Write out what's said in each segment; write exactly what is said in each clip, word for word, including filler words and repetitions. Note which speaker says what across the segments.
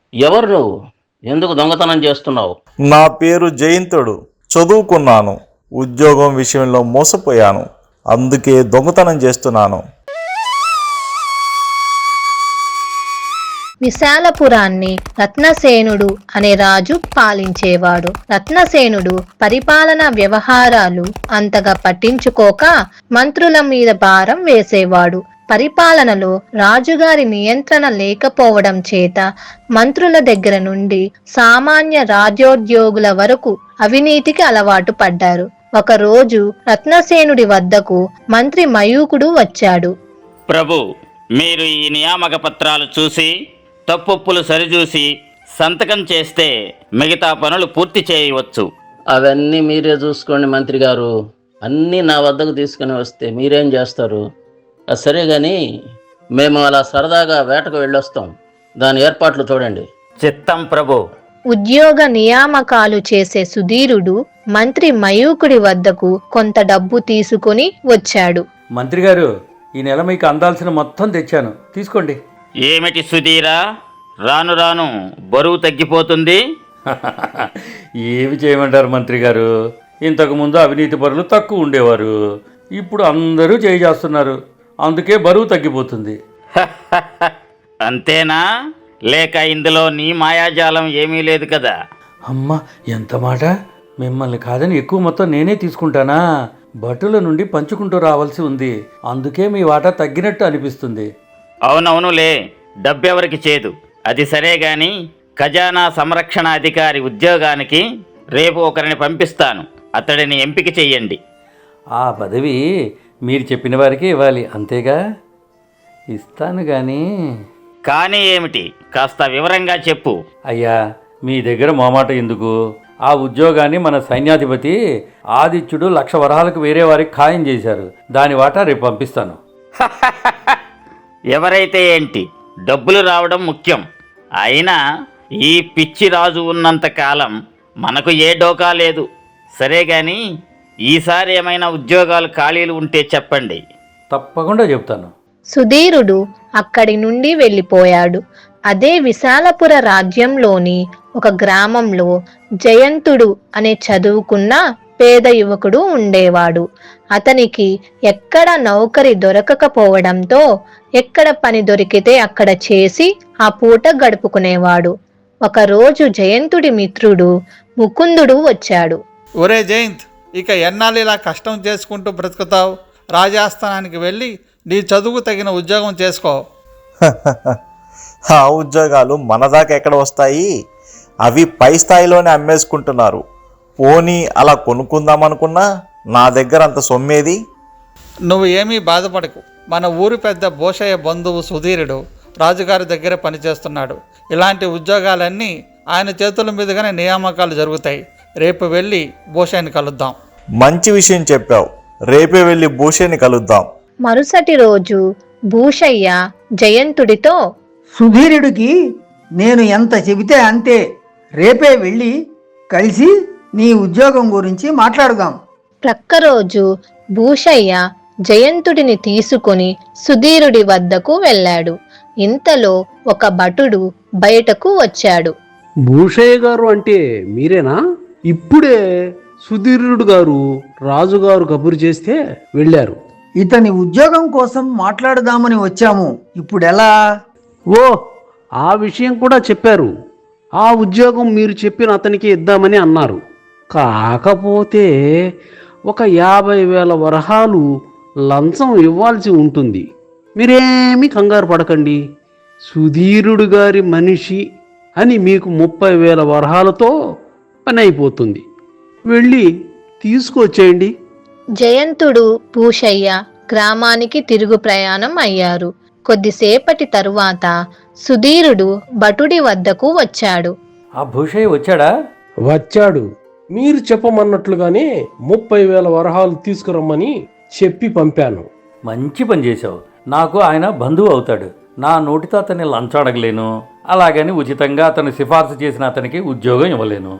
Speaker 1: ఎవరు నువ్వు? ఎందుకు దొంగతనం చేస్తున్నావు?
Speaker 2: నా పేరు జయంతుడు. చదువుకున్నాను. ఉద్యోగం విషయంలో మోసపోయాను. అందుకే దొంగతనం చేస్తున్నాను.
Speaker 3: విశాలపురాన్ని రత్నసేనుడు అనే రాజు పాలించేవాడు. రత్నసేనుడు పరిపాలన వ్యవహారాలు అంతగా పట్టించుకోక మంత్రుల మీద భారం వేసేవాడు. పరిపాలనలో రాజుగారి నియంత్రణ లేకపోవడం చేత మంత్రుల దగ్గర నుండి సామాన్య రాజ్యోద్యోగుల వరకు అవినీతికి అలవాటు పడ్డారు. ఒకరోజు రత్నసేనుడి వద్దకు మంత్రి మయూకుడు వచ్చాడు.
Speaker 4: ప్రభు, మీరు ఈ నియామక పత్రాలు చూసి తప్పులు సరిచూసి సంతకం చేస్తే మిగతా పనులు పూర్తి చేయవచ్చు.
Speaker 1: అవన్నీ మీరే చూసుకోండి మంత్రి గారు. అన్నీ నా వద్దకు తీసుకుని వస్తే మీరేం చేస్తారు? అది సరే కానీ మేము అలా సరదాగా వేటకు వెళ్ళొస్తాం. దాని ఏర్పాట్లు చూడండి.
Speaker 4: చిత్తం ప్రభు.
Speaker 3: ఉద్యోగ నియామకాలు చేసే సుధీరుడు మంత్రి మయూకుడి వద్దకు కొంత డబ్బు తీసుకుని వచ్చాడు.
Speaker 5: మంత్రి గారు, ఈ నెల మీకు అందాల్సిన మొత్తం తెచ్చాను, తీసుకోండి.
Speaker 4: ఏమిటి సుధీరా, రాను రాను బరువు తగ్గిపోతుంది?
Speaker 5: ఏమి చేయమంటారు మంత్రి గారు? ఇంతకుముందు అవినీతి పరులు తక్కువ ఉండేవారు, ఇప్పుడు అందరూ చేయి చేస్తున్నారు, అందుకే బరువు తగ్గిపోతుంది.
Speaker 4: అంతేనా? లేక ఇందులో నీ మాయాజాలం ఏమీ లేదు కదా?
Speaker 5: అమ్మ, ఎంత మాట! మిమ్మల్ని కాదని ఎక్కువ మొత్తం నేనే తీసుకుంటానా? భటుల నుండి పంచుకుంటూ రావాల్సి ఉంది, అందుకే మీ వాటా తగ్గినట్టు అనిపిస్తుంది.
Speaker 4: అవునవునులే, డబ్బెవరికి చేదు. అది సరే గాని ఖజానా సంరక్షణ అధికారి ఉద్యోగానికి రేపు ఒకరిని పంపిస్తాను, అతడిని ఎంపిక చెయ్యండి.
Speaker 5: ఆ పదవి మీరు చెప్పిన వారికి ఇవ్వాలి, అంతేగా? ఇస్తాను కానీ
Speaker 4: కానీ ఏమిటి, కాస్త వివరంగా చెప్పు.
Speaker 5: అయ్యా, మీ దగ్గర మోమాట ఎందుకు? ఆ ఉద్యోగాన్ని మన సైన్యాధిపతి ఆదిత్యుడు లక్ష వరహాలకు వేరే వారికి ఖాయం చేశారు, దాని వాటా రేపు పంపిస్తాను.
Speaker 4: ఎవరైతే ఏంటి, డబ్బులు రావడం ముఖ్యం. అయినా ఈ పిచ్చి రాజు ఉన్నంత కాలం మనకు ఏ డోకా లేదు. సరే గాని ఈసారి ఏమైనా ఉద్యోగాలు ఖాళీలు ఉంటే చెప్పండి.
Speaker 5: తప్పకుండా చెప్తాను.
Speaker 3: సుధీరుడు అక్కడి నుండి వెళ్ళిపోయాడు. అదే విశాలపుర రాజ్యంలోని ఒక గ్రామంలో జయంతుడు అనే చదువుకున్న పేద యువకుడు ఉండేవాడు. అతనికి ఎక్కడ నౌకరి దొరకకపోవడంతో ఎక్కడ పని దొరికితే అక్కడ చేసి ఆ పూట గడుపుకునేవాడు. ఒకరోజు జయంతుడి మిత్రుడు ముకుందుడు వచ్చాడు.
Speaker 6: ఒరే జయంత్, ఇక ఎన్నాళ్ళు ఇలా కష్టం చేసుకుంటూ బ్రతుకుతావు? రాజాస్థానానికి వెళ్ళి నీ చదువుకు తగిన ఉద్యోగం చేసుకో.
Speaker 2: ఆ ఉద్యోగాలు మన దాకా ఎక్కడ వస్తాయి? అవి పై స్థాయిలోనే అమ్మేసుకుంటున్నారు. పోనీ అలా కొనుక్కుందామనుకున్నా నా దగ్గర అంత సొమ్మేది?
Speaker 6: నువ్వు ఏమీ బాధపడకు. మన ఊరు పెద్ద భూషయ్య బంధువు సుధీరుడు రాజుగారి దగ్గర పనిచేస్తున్నాడు. ఇలాంటి ఉద్యోగాలన్నీ ఆయన చేతుల మీదుగానే నియామకాలు జరుగుతాయి. రేపు వెళ్ళి భూషయ్యని కలుద్దాం.
Speaker 2: మంచి విషయం చెప్పావు. రేపే వెళ్ళి భూషయ్యని కలుద్దాం.
Speaker 3: మరుసటి రోజు భూషయ్య జయంతుడితో,
Speaker 7: సుధీరుడికి నేను ఎంత చెబితే అంతే. రేపే వెళ్ళి కలిసి నీ ఉద్యోగం గురించి మాట్లాడుదాం.
Speaker 3: ప్రక్కరోజు భూషయ్య జయంతుడిని తీసుకుని సుధీరుడి వద్దకు వెళ్ళాడు. ఇంతలో ఒక భటుడు బయటకు వచ్చాడు.
Speaker 8: భూషయ్య గారు అంటే మీరేనా? ఇప్పుడే సుధీరుడు గారు రాజుగారు కబురు చేస్తే వెళ్ళారు.
Speaker 7: ఇతని ఉద్యోగం కోసం మాట్లాడుదామని వచ్చాము. ఇప్పుడెలా?
Speaker 8: ఓ, ఆ విషయం కూడా చెప్పారు. ఆ ఉద్యోగం మీరు చెప్పిన అతనికి ఇద్దామని అన్నారు. కాకపోతే ఒక యాభై వేల వరహాలు లంచం ఇవ్వాల్సి ఉంటుంది. మీరేమీ కంగారు పడకండి. సుధీరుడు గారి మనిషి అని మీకు ముప్పై వేల వరహాలతో పని అయిపోతుంది. వెళ్ళి తీసుకొచ్చేయండి.
Speaker 3: జయంతుడు భూషయ్య గ్రామానికి తిరుగు ప్రయాణం అయ్యారు. కొద్దిసేపటి తరువాత సుధీరుడు భటుడి వద్దకు వచ్చాడు.
Speaker 5: ఆ భూషయ్య వచ్చాడా?
Speaker 8: వచ్చాడు. మీరు చెప్పమన్నట్లుగానే ముప్పై వేల వరహాలు తీసుకురమ్మని చెప్పి పంపాను.
Speaker 5: మంచి పని చేశావు. నాకు ఆయన బంధువు అవుతాడు. నా నోటితో అతన్ని లంచం అడగలేను, అలాగని ఉచితంగా అతను సిఫార్సు చేసిన అతనికి ఉద్యోగం ఇవ్వలేను.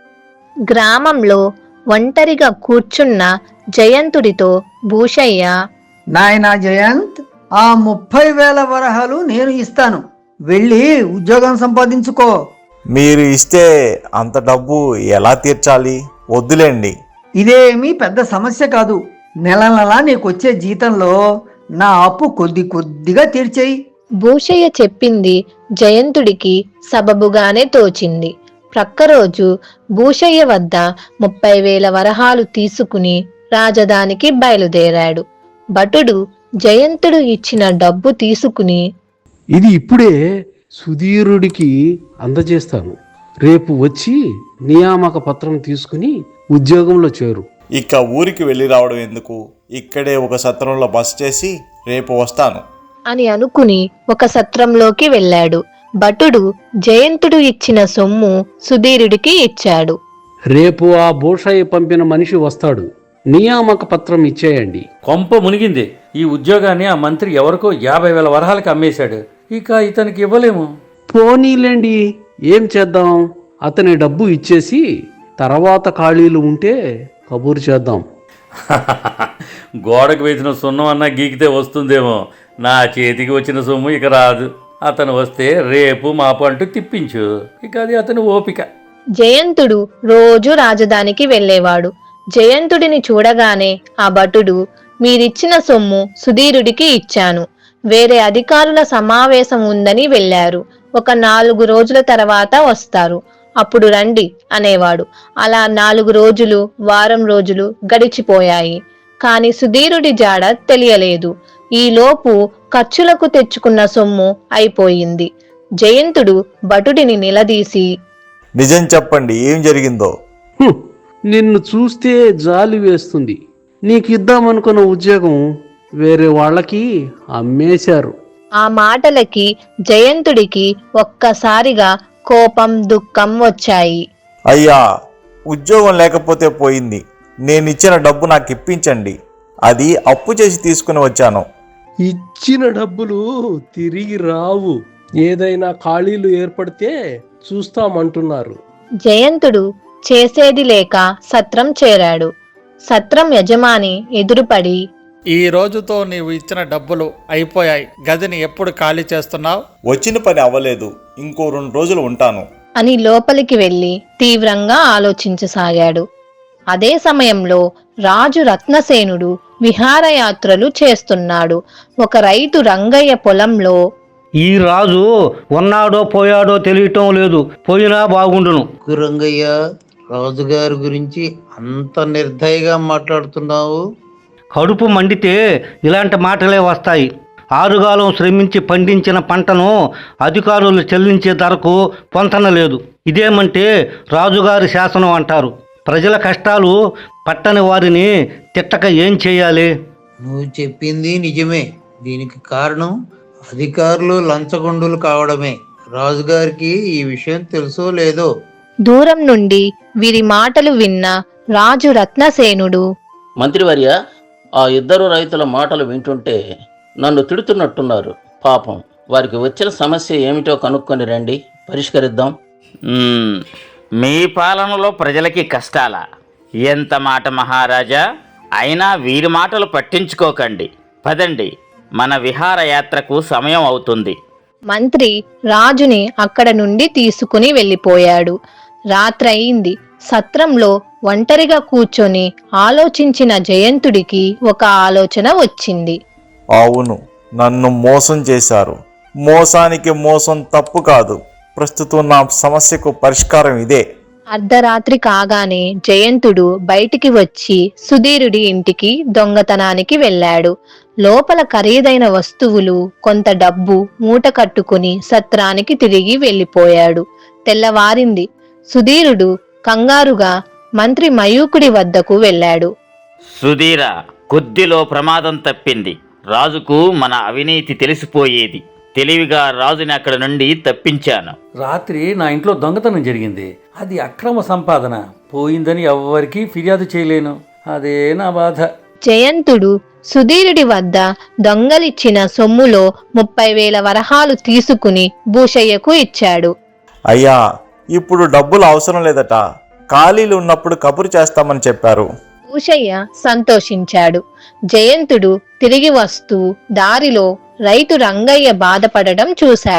Speaker 3: గ్రామంలో ఒంటరిగా కూర్చున్న జయంతుడితో భూషయ్య,
Speaker 7: నాయనా జయంత్, ఆ ముప్పై వేల వరహాలు నేను ఇస్తాను. వెళ్ళి ఉద్యోగం సంపాదించుకో.
Speaker 2: మీరు ఇస్తే అంత డబ్బు ఎలా తీర్చాలి? వద్దులేండి.
Speaker 7: ఇదేమీ పెద్ద సమస్య కాదు. నెల నెలా నీకొచ్చే జీతంలో నా అప్పు కొద్ది కొద్దిగా తీర్చేయి.
Speaker 3: భూషయ్య చెప్పింది జయంతుడికి సబబుగానే తోచింది. ప్రక్కరోజు భూషయ్య వద్ద ముప్పై వేల వరహాలు తీసుకుని రాజధానికి బయలుదేరాడు. భటుడు జయంతుడు ఇచ్చిన డబ్బు తీసుకుని,
Speaker 8: ఇది ఇప్పుడే సుధీరుడికి అందజేస్తాను. రేపు వచ్చి నియామక పత్రం తీసుకుని ఉద్యోగంలో చేరు.
Speaker 2: ఇక ఊరికి వెళ్ళి రావడం ఎందుకు? ఇక్కడే ఒక సత్రంలో బస చేసి రేపు వస్తాను
Speaker 3: అని అనుకుని ఒక సత్రంలోకి వెళ్ళాడు. భటుడు జయంతుడు ఇచ్చిన సొమ్ము సుధీరుడికి ఇచ్చాడు.
Speaker 8: రేపు ఆ భూషయ్య పంపిన మనిషి వస్తాడు. నియామక పత్రం ఇచ్చేయండి.
Speaker 5: కొంప మునిగింది. ఈ ఉద్యోగాన్ని ఆ మంత్రి ఎవరికో యాభై వేల వరహాలకి అమ్మేశాడు. ఇక ఇతనికి ఇవ్వలేము.
Speaker 8: పోనీలేండి, ఏం చేద్దాం? అతని డబ్బు ఇచ్చేసి తర్వాత ఖాళీలు ఉంటే కబూరు చేద్దాం.
Speaker 5: గోడకు వేసిన సున్నం అన్నా గీకితే వస్తుందేమో. నా చేతికి వచ్చిన సొమ్ము ఇక రాదు. అతను వస్తే రేపు మాపు అంటూ తిప్పించు. ఇక అది అతని ఓపిక.
Speaker 3: జయంతుడు రోజు రాజధానికి వెళ్ళేవాడు. జయంతుడిని చూడగానే ఆ భటుడు, మీరిచ్చిన సొమ్ము సుధీరుడికి ఇచ్చాను, వేరే అధికారుల సమావేశం ఉందని వెళ్ళారు, ఒక నాలుగు రోజుల తర్వాత వస్తారు, అప్పుడు రండి అనేవాడు. అలా నాలుగు రోజులు వారం రోజులు గడిచిపోయాయి. కాని సుధీరుడి జాడ తెలియలేదు. ఈలోపు ఖర్చులకు తెచ్చుకున్న సొమ్ము అయిపోయింది. జయంతుడు భటుడిని నిలదీసి,
Speaker 2: నిజం చెప్పండి, ఏం జరిగిందో?
Speaker 8: హుం, నిన్ను చూస్తే జాలి వేస్తుంది. నీకిద్దామనుకున్న ఉద్యోగం వేరే వాళ్ళకి అమ్మేశారు.
Speaker 3: ఆ మాటలకి జయంతుడికి ఒక్కసారిగా కోపం దుఃఖం వచ్చాయి.
Speaker 2: అయ్యా, ఉద్యోగం లేకపోతే పోయింది. నేనిచ్చిన డబ్బు నాకు ఇప్పించండి. అది అప్పు చేసి తీసుకుని వచ్చాను.
Speaker 8: ఇచ్చిన డబ్బులు తిరిగి రావు. ఏదైనా ఖాళీలు ఏర్పడితే చూస్తామంటున్నారు.
Speaker 3: జయంతుడు చేసేది లేక సత్రం చేరాడు. సత్రం యజమాని ఎదురుపడి,
Speaker 6: ఈ రోజుతో నీవు ఇచ్చిన డబ్బులు అయిపోయాయి. గదిని ఎప్పుడు ఖాళీ చేస్తున్నావు?
Speaker 2: వచ్చిన పని అవ్వలేదు, ఇంకో రెండు రోజులు ఉంటాను
Speaker 3: అని లోపలికి వెళ్లి తీవ్రంగా ఆలోచించసాగాడు. అదే సమయంలో రాజు రత్నసేనుడు విహారయాత్రలు చేస్తున్నాడు. ఒక రైతు రంగయ్య పొలంలో,
Speaker 9: ఈ రాజు ఉన్నాడో పోయాడో తెలియటం లేదు, పోయినా బాగుండును.
Speaker 10: రంగయ్య, రాజుగారి గురించి అంత నిర్దయగా మాట్లాడుతున్నావు?
Speaker 9: కడుపు మండితే ఇలాంటి మాటలే వస్తాయి. ఆరుగాలం శ్రమించి పండించిన పంటను అధికారులు చెల్లించే ధరకు పొంతన లేదు. ఇదేమంటే రాజుగారి శాసనం అంటారు. ప్రజల కష్టాలు పట్టని వారిని తిట్టక ఏం చేయాలి?
Speaker 10: నువ్వు చెప్పింది నిజమే. దీనికి కారణం అధికారులు లంచగొండులు కావడమే. రాజుగారికి ఈ విషయం తెలుసో లేదో.
Speaker 3: దూరం నుండి వీరి మాటలు విన్న రాజు రత్నసేనుడు,
Speaker 1: మంత్రివర్య, ఆ ఇద్దరు రైతుల మాటలు వింటుంటే నన్ను తిడుతున్నట్టున్నారు. పాపం, వారికి వచ్చిన సమస్య ఏమిటో కనుక్కొని రండి, పరిష్కరిద్దాం.
Speaker 4: మ్మ్. మీ పాలనలో ప్రజలకి కష్టాలా? ఎంత మాట మహారాజా! అయినా వీరి మాటలు పట్టించుకోకండి. పదండి, మన విహారయాత్రకు సమయం అవుతుంది.
Speaker 3: మంత్రి రాజుని అక్కడ నుండి తీసుకుని వెళ్ళిపోయాడు. రాత్రయింది. సత్రంలో ఒంటరిగా కూర్చొని ఆలోచించిన జయంతుడికి ఒక ఆలోచన వచ్చింది.
Speaker 2: అవును, నన్ను మోసం చేశారు. మోసానికి మోసం తప్పు కాదు. ప్రస్తుతం నా సమస్యకు పరిష్కారం ఇదే.
Speaker 3: అర్ధరాత్రి కాగానే జయంతుడు బయటికి వచ్చి సుధీరుడి ఇంటికి దొంగతనానికి వెళ్ళాడు. లోపల ఖరీదైన వస్తువులు, కొంత డబ్బు మూట కట్టుకుని సత్రానికి తిరిగి వెళ్ళిపోయాడు. తెల్లవారింది. సుధీరుడు కంగారుగా మంత్రి మయూకుడి వద్దకు వెళ్ళాడు.
Speaker 4: సుధీర, కొద్దిలో ప్రమాదం తప్పింది. రాజుకు మన అవినీతి తెలిసిపోయేది. తెలివిగా రాజుని అక్కడ నుండి తప్పించాను.
Speaker 5: రాత్రి నా ఇంట్లో దొంగతనం జరిగింది. అది అక్రమ సంపాదన. పోయిందని ఎవ్వరికీ ఫిర్యాదు చేయలేను. అదే నా బాధ.
Speaker 3: జయంతుడు సుధీరుడి వద్ద దొంగలిచ్చిన సొమ్ములో ముప్పై వేల వరహాలు తీసుకుని భూషయ్యకు ఇచ్చాడు.
Speaker 2: అయ్యా, ఇప్పుడు డబ్బులు అవసరం లేదట. ఖాళీలు ఉన్నప్పుడు కబురు చేస్తామని చెప్పారు.
Speaker 3: భూషయ్య సంతోషించాడు. జయంతుడు తిరిగి వస్తూ దారిలో రైతు రంగయ్య బాధపడడం చూశాడు.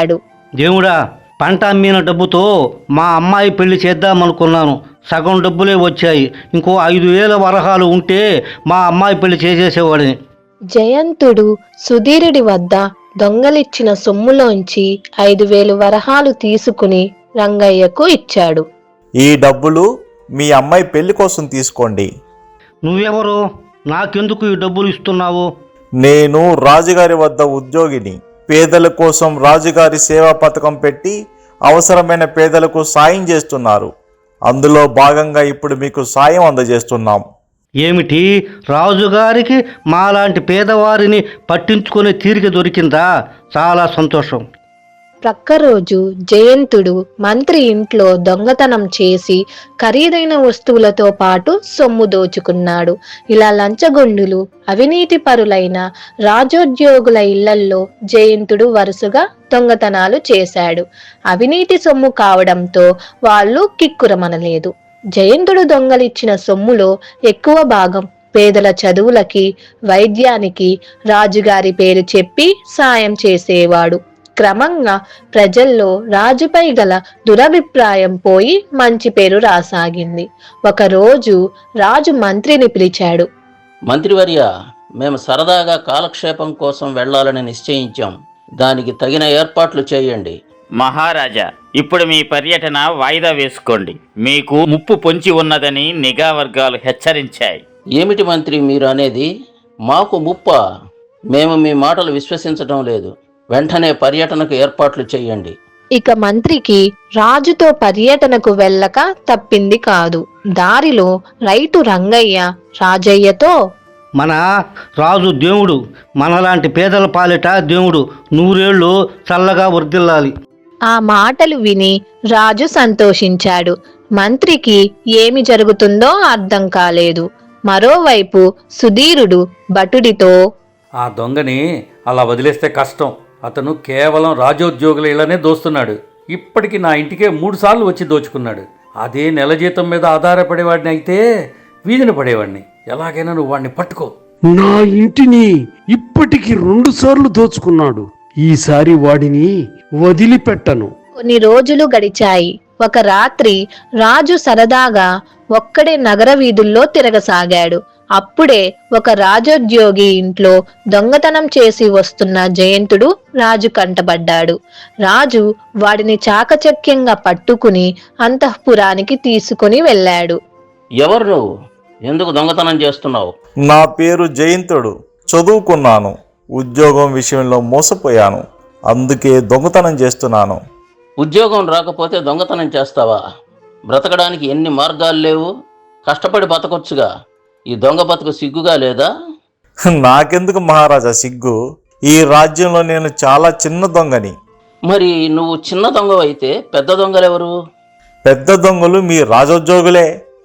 Speaker 9: దేవుడా, పంట అమ్మిన డబ్బుతో మా అమ్మాయి పెళ్లి చేద్దామనుకున్నాను. సగం డబ్బులే వచ్చాయి. ఇంకో ఐదు వేల వరహాలు ఉంటే మా అమ్మాయి పెళ్లి చేసేసేవాడిని.
Speaker 3: జయంతుడు సుధీరుడి వద్ద దొంగలిచ్చిన సొమ్ములోంచి ఐదు వేలు వరహాలు తీసుకుని రంగయ్యకు ఇచ్చాడు.
Speaker 2: ఈ డబ్బులు మీ అమ్మాయి పెళ్లి కోసం తీసుకోండి.
Speaker 9: నువ్వెవరు? నాకెందుకు ఈ డబ్బులు ఇస్తున్నావు?
Speaker 2: నేను రాజుగారి వద్ద ఉద్యోగిని. పేదల కోసం రాజుగారి సేవా పథకం పెట్టి అవసరమైన పేదలకు సాయం చేస్తున్నారు. అందులో భాగంగా ఇప్పుడు మీకు సాయం అందజేస్తున్నాం.
Speaker 9: ఏమిటి, రాజుగారికి మాలాంటి పేదవారిని పట్టించుకునే తీరిక దొరికిందా? చాలా సంతోషం.
Speaker 3: ప్రక్క రోజు జయంతుడు మంత్రి ఇంట్లో దొంగతనం చేసి ఖరీదైన వస్తువులతో పాటు సొమ్ము దోచుకున్నాడు. ఇలా లంచగొండులు, అవినీతి పరులైన రాజోద్యోగుల ఇళ్లల్లో జయంతుడు వరుసగా దొంగతనాలు చేశాడు. అవినీతి సొమ్ము కావడంతో వాళ్ళు కిక్కురమనలేదు. జయంతుడు దొంగలిచ్చిన సొమ్ములో ఎక్కువ భాగం పేదల చదువులకి, వైద్యానికి రాజుగారి పేరు చెప్పి సాయం చేసేవాడు. క్రమంగా ప్రజల్లో రాజుపై గల దురభిప్రాయం పోయి మంచి పేరు రాసాగింది. ఒకరోజు రాజు మంత్రిని పిలిచాడు.
Speaker 1: మంత్రివర్య, మేము సరదాగా కాలక్షేపం కోసం వెళ్ళాలని నిశ్చయించాం. దానికి తగిన ఏర్పాట్లు చేయండి.
Speaker 4: మహారాజా, ఇప్పుడు మీ పర్యటన వాయిదా వేసుకోండి. మీకు ముప్పు పొంచి ఉన్నదని నిఘా వర్గాలు హెచ్చరించాయి.
Speaker 1: ఏమిటి మంత్రి మీరు అనేది? మాకు ముప్ప? మేము మీ మాటలు విశ్వసించడం లేదు. వెంటనే పర్యటనకు ఏర్పాట్లు చేయండి.
Speaker 3: ఇక మంత్రికి రాజుతో పర్యటనకు వెళ్ళక తప్పింది కాదు. దారిలో రైతు రంగయ్య రాజయ్యతో,
Speaker 9: మన రాజు దేవుడు, మనలాంటి పేదల పాలిట దేవుడు నూరేళ్లు చల్లగా వర్ధిల్లాలి.
Speaker 3: ఆ మాటలు విని రాజు సంతోషించాడు. మంత్రికి ఏమి జరుగుతుందో అర్థం కాలేదు. మరోవైపు సుధీరుడు భటుడితో,
Speaker 5: ఆ దొంగని అలా వదిలేస్తే కష్టం. అతను కేవలం రాజోద్యోగుల ఇళ్లనే దోస్తున్నాడు. ఇప్పటికి నా ఇంటికే మూడు సార్లు వచ్చి దోచుకున్నాడు. అదే నెల జీతం మీద ఆధారపడేవాడిని అయితే వీధిన పడేవాడిని. ఎలాగైనా నువ్వు వాడిని పట్టుకో.
Speaker 8: నా ఇంటిని ఇప్పటికి రెండు సార్లు దోచుకున్నాడు. ఈసారి వాడిని వదిలిపెట్టను.
Speaker 3: కొన్ని రోజులు గడిచాయి. ఒక రాత్రి రాజు సరదాగా ఒక్కడే నగర వీధుల్లో తిరగసాగాడు. అప్పుడే ఒక రాజోద్యోగి ఇంట్లో దొంగతనం చేసి వస్తున్న జయంతుడు రాజు కంటబడ్డాడు. రాజు వాడిని చాకచక్యంగా పట్టుకుని అంతఃపురానికి తీసుకుని వెళ్ళాడు.
Speaker 1: ఎవరు నువ్వు? ఎందుకు దొంగతనం చేస్తున్నావు?
Speaker 2: నా పేరు జయంతుడు. చదువుకున్నాను. ఉద్యోగం విషయంలో మోసపోయాను. అందుకే దొంగతనం చేస్తున్నాను.
Speaker 1: ఉద్యోగం రాకపోతే దొంగతనం చేస్తావా? బ్రతకడానికి ఎన్ని మార్గాలు లేవు. కష్టపడి బతకొచ్చుగా. ఈ దొంగ బతుకు సిగ్గుగా లేదా?
Speaker 2: నాకెందుకు మహారాజా సిగ్గు? ఈ రాజ్యంలో నేను చాలా చిన్న దొంగని.
Speaker 1: మరి నువ్వు చిన్న దొంగవైతే పెద్ద దొంగలెవరు?
Speaker 2: పెద్ద దొంగలు మీ రాజోద్యోగులే.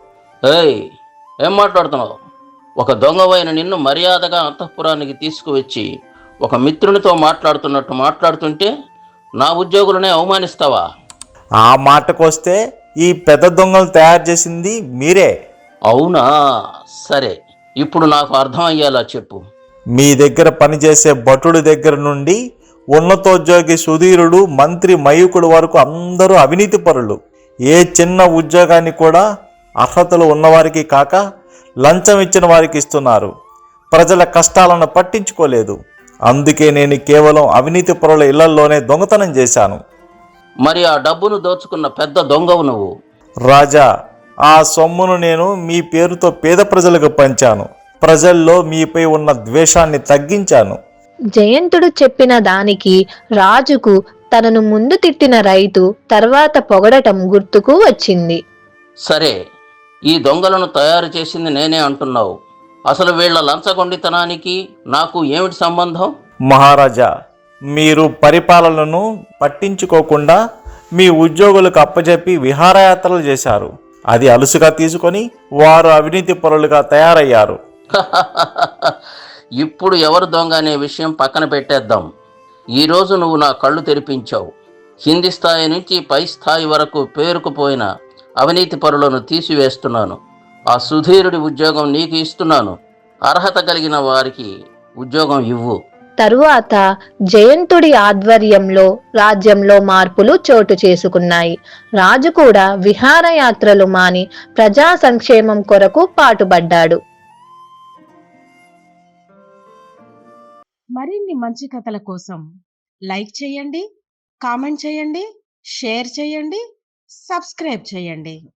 Speaker 1: ఏయ్, ఏం మాట్లాడుతున్నావు? ఒక దొంగవైన నిన్ను మర్యాదగా అంతఃపురానికి తీసుకువచ్చి ఒక మిత్రునితో మాట్లాడుతున్నట్టు మాట్లాడుతుంటే నా ఉద్యోగులనే అవమానిస్తావా?
Speaker 2: ఆ మాటకొస్తే ఈ పెద్ద దొంగలు తయారు చేసింది మీరే.
Speaker 1: అవునా? సరే, ఇప్పుడు నాకు అర్థమయ్యేలా చెప్పు.
Speaker 2: మీ దగ్గర పనిచేసే భటుడి దగ్గర నుండి ఉన్నతోద్యోగి సుధీరుడు, మంత్రి మయూకుడు వరకు అందరూ అవినీతి పరులు. ఏ చిన్న ఉద్యోగాన్ని కూడా అర్హతలు ఉన్నవారికి కాక లంచం ఇచ్చిన వారికి ఇస్తున్నారు. ప్రజల కష్టాలను పట్టించుకోలేదు. అందుకే నేను కేవలం అవినీతి పరుల ఇళ్లలోనే దొంగతనం చేశాను.
Speaker 1: మరి ఆ డబ్బును దోచుకున్న పెద్ద దొంగవు నువ్వు.
Speaker 2: రాజా, ఆ సొమ్మును నేను మీ పేరుతో పేద ప్రజలకు పంచాను. ప్రజల్లో మీపై ఉన్న ద్వేషాన్ని తగ్గించాను.
Speaker 3: జయంతుడు చెప్పిన దానికి రాజుకు తనను ముందు తిట్టిన రైతు తర్వాత పొగడటం గుర్తుకు వచ్చింది.
Speaker 1: సరే, ఈ దొంగలను తయారు చేసింది నేనే అంటున్నావు. అసలు వీళ్ల లంచగొండితనానికి నాకు ఏమిటి సంబంధం?
Speaker 2: మహారాజా, మీరు పరిపాలనను పట్టించుకోకుండా మీ ఉద్యోగులకు అప్పచెప్పి విహారయాత్రలు చేశారు. అది అలుసుగా తీసుకొని వారు అవినీతి పరులుగా తయారయ్యారు.
Speaker 1: ఇప్పుడు ఎవరు దొంగ అనే విషయం పక్కన పెట్టేద్దాం. ఈరోజు నువ్వు నా కళ్ళు తెరిపించావు. కింది స్థాయి నుంచి పై స్థాయి వరకు పేరుకుపోయిన అవినీతి పరులను తీసివేస్తున్నాను. ఆ సుధీరుడి ఉద్యోగం నీకు ఇస్తున్నాను. అర్హత కలిగిన వారికి ఉద్యోగం ఇవ్వు.
Speaker 3: తరువాత జయంతుడి ఆధ్వర్యంలో రాజ్యంలో మార్పులు చోటు చేసుకున్నాయి. రాజు కూడా విహారయాత్రలు మాని ప్రజా సంక్షేమం కొరకు పాటుపడ్డాడు.
Speaker 11: మరిన్ని మంచి కథల కోసం లైక్ చేయండి, కామెంట్ చేయండి, షేర్ చేయండి, సబ్స్క్రైబ్ చేయండి.